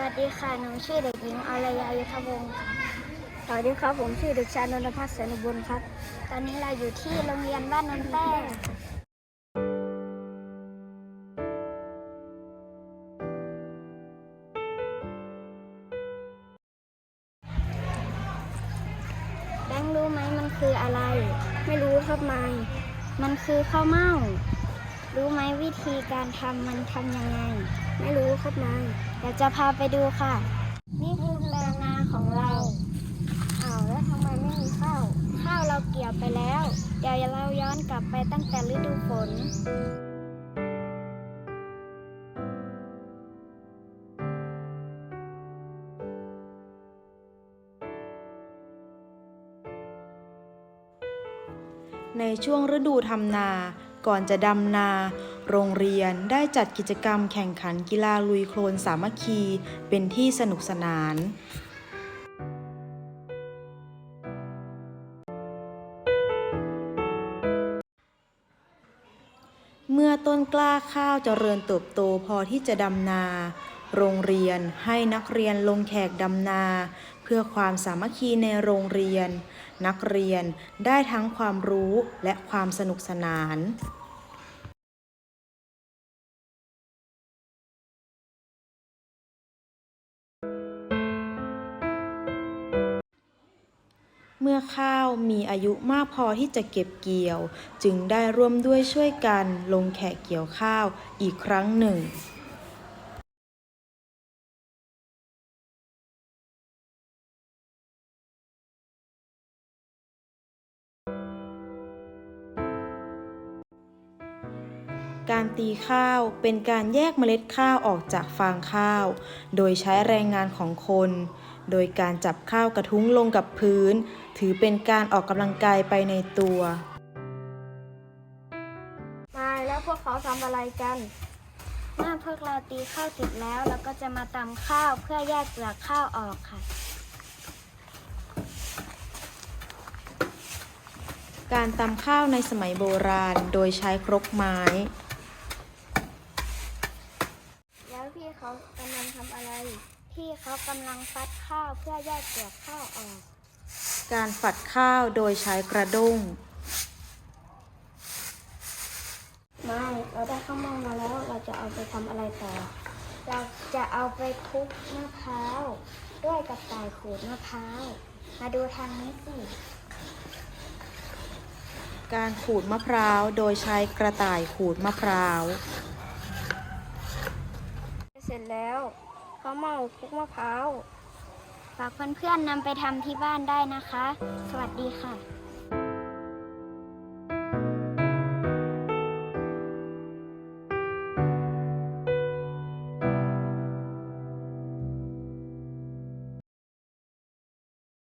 วัสดีค่ะหนูชื่อเด็กหญิงอารยายุทธวงศ์ค่ะสวัสดีครับผมชื่อเด็กชายนนทพัฒน์แสนอุบลครับตอนนี้เราอยู่ที่โรงเรียนบ้านนนแป้งแบงค์รู้ไหมมันคืออะไรไม่รู้ครับมันคือข้าวเม่ารู้ไหมวิธีการทำมันทำยังไงไม่รู้ครับเดี๋ยวจะพาไปดูค่ะนี่คือแปลงนาของเราแล้วทำไมไม่มีข้าวเราเกี่ยวไปแล้วเดี๋ยวเราย้อนกลับไปตั้งแต่ฤดูฝนในช่วงฤดูทำนา ก่อนจะดำนา โรงเรียนได้จัดกิจกรรมแข่งขันกีฬาลุยโคลนสามัคคีเป็นที่สนุกสนาน เมื่อต้นกล้าข้าวเจริญเติบโตพอที่จะดำนา โรงเรียนให้นักเรียนลงแขกดำนา เพื่อความสามัคคีในโรงเรียน นักเรียนได้ทั้งความรู้และความสนุกสนาน เมื่อข้าวมีอายุมากพอที่จะเก็บเกี่ยว จึงได้ร่วมด้วยช่วยกันลงแขกเกี่ยวข้าวอีกครั้งหนึ่ง การตีข้าวเป็นการแยกเมล็ดข้าวออกจากฟางข้าว โดยใช้แรงงานของคน โดยการจับข้าวกระทุ้งลงกับพื้น ถือเป็นการออกกำลังกายไปในตัวแล้วพวกเขาทำอะไรกันเมื่อพวกเราตีข้าวเสร็จแล้วเราก็จะมาตำข้าวเพื่อแยกเปลือกข้าวออกค่ะการตำข้าวในสมัยโบราณโดยใช้ครกไม้แล้วพี่เขากำลังทำอะไรพี่เขากำลังฟัดข้าวเพื่อแยกเปลือกข้าวออกการฝัดข้าวโดยใช้กระด้งเราได้ข้าวเม่ามาแล้วเราจะเอาไปทำอะไรต่อเราจะเอาไปคลุกมะพร้าวด้วยกระต่ายขูดมะพร้าวมาดูทางนี้สิการขูดมะพร้าวโดยใช้กระต่ายขูดมะพร้าวเสร็จแล้วข้าวเม่าคลุกมะพร้าวฝากเพื่อนๆนำไปทำที่บ้านได้นะคะสวัสดีค่ะ